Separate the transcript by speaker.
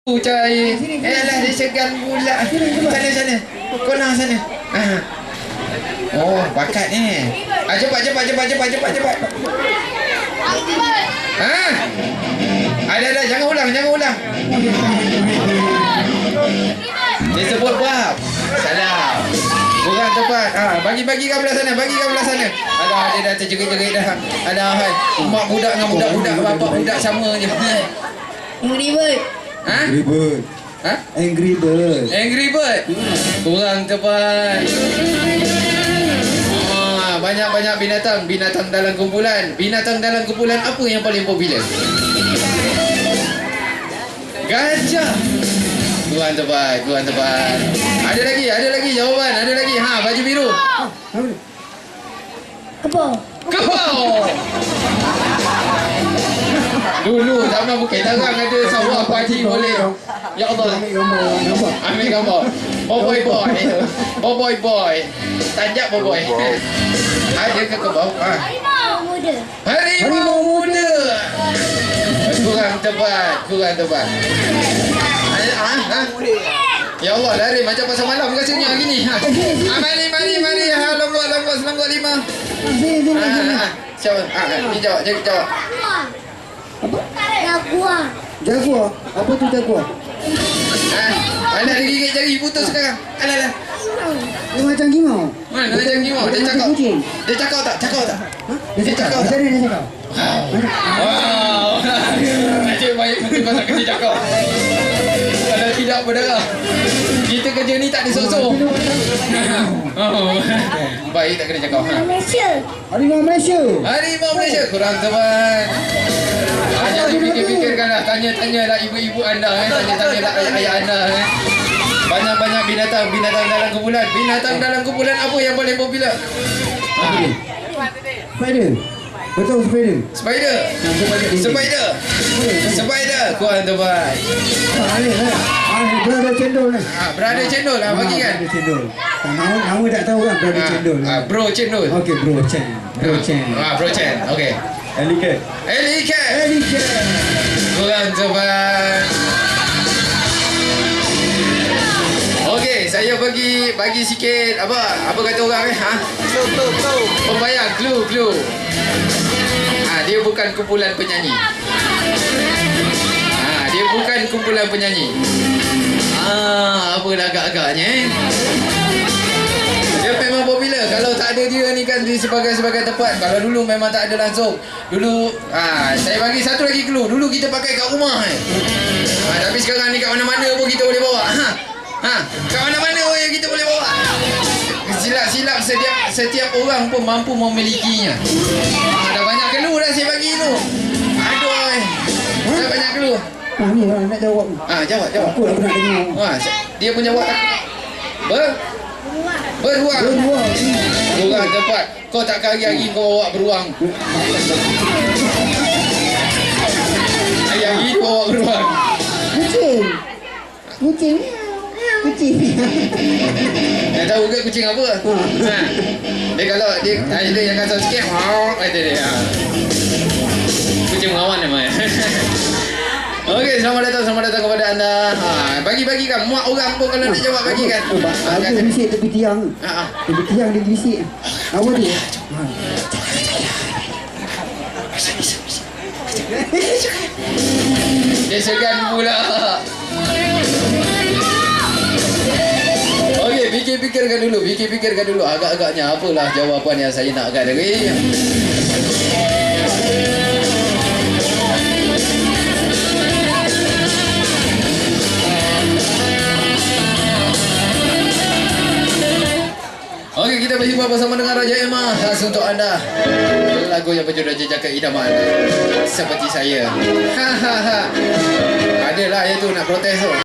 Speaker 1: Cari. Lah dia segan pula. Sana. Kolang sana. Oh, bakat ni. Cepat. Ada, jangan ulang. Dia sebut bab. Salah. Kurang tepat. Bagi kat belah sana. Alah, dia dah terjerit-jerit dah. Alah, mak budak dengan budak-budak, bapak budak sama je.
Speaker 2: Angry Bird.
Speaker 1: Angry Bird. Kurang tepat. Banyak binatang dalam kumpulan. Binatang dalam kumpulan apa yang paling popular? Gajah. Kurang tepat. Ada lagi jawapan. Baju biru. Kebau. Dulu zaman Bukit Tarang ada sawah padi boleh. Ya Allah. Ambil gambar. Boy. Tanjak boy. Ada ke kebau? Harimau muda. Kurang tepat. Ya Allah, lari macam pasal malam rasanya gini. Mari. Selangkut 5. Siapa? Jawab.
Speaker 2: Jaguar. Apa tu jaguar?
Speaker 1: Alah, dia gigit jari putus sekarang. Alah.
Speaker 2: Dia macam gimau.
Speaker 1: Mana macam gimau? Dia cakap. Dia cakap tak? Dia cakap.
Speaker 2: Macam mana dia cakap?
Speaker 1: Wow. Macam baik betul pasal kerja cakap. Kalau tidak berdarah. Kita kerja ni tak ada sok-sok. Baik tak kena cakap.
Speaker 2: Harimau Malaysia.
Speaker 1: Kurang tepat. Hanya dipikir-fikirkanlah. Tanya-tanyalah ibu-ibu anda. Tanya-tanyalah ayah anda. Banyak binatang dalam kumpulan. Binatang dalam kumpulan apa yang paling popular?
Speaker 2: Betul, spider.
Speaker 1: Spider. Kurang tepat.
Speaker 2: Brother Cendol ni.
Speaker 1: Brother Cendol lah bagi kan.
Speaker 2: Brother Cendol. Nama tak tahu kan Brother Cendol.
Speaker 1: Bro Cendol.
Speaker 2: Okey, Bro Chen.
Speaker 1: Bro Chen. Okey. Elicat. Kurang tepat. Okey, saya bagi sikit apa kata orang pembayang clue. Dia bukan kumpulan penyanyi. Apa dah agak-agaknya Dia memang popular. Kalau tak ada dia ni kan di sebagai tempat. Kalau dulu memang tak ada langsung. Dulu saya bagi satu lagi clue. Dulu kita pakai kat rumah tapi sekarang ni kat mana-mana pun kita boleh bawa. Kat mana-mana pun yang kita boleh bawa. Silap setiap orang pun mampu memilikinya. Dah banyak clue dah saya bagi tu. Aduh. Dah banyak clue.
Speaker 2: Ni lah nak jawab.
Speaker 1: Jawab.
Speaker 2: Aku nak dengar.
Speaker 1: Dia pun jawab beruang. Kurang tepat. Kau tak hari-hari kau bawa beruang. Hari-hari kau bawa beruang.
Speaker 2: Kucing.
Speaker 1: Dah tahu ke kucing apa? Dia kalau dia yang kasar sikit. Kata dia. Kucing mengawan namanya. Okey, selamat datang kepada anda. Bagi kan muak orang pun kalau nak jawab bagi kan.
Speaker 2: Aku bisik tepi tiang. Tepi tiang dia bisik. Apa dia?
Speaker 1: Dia segan pula. Okey, fikirkan dulu. Agak-agaknya apalah jawapan yang saya nakkan tadi. Okey, kita berjumpa bersama dengan Raja Emma. Khas untuk anda. Lagu yang berjudul Jejak Keidaman. Seperti saya. Adalah itu nak protes tu.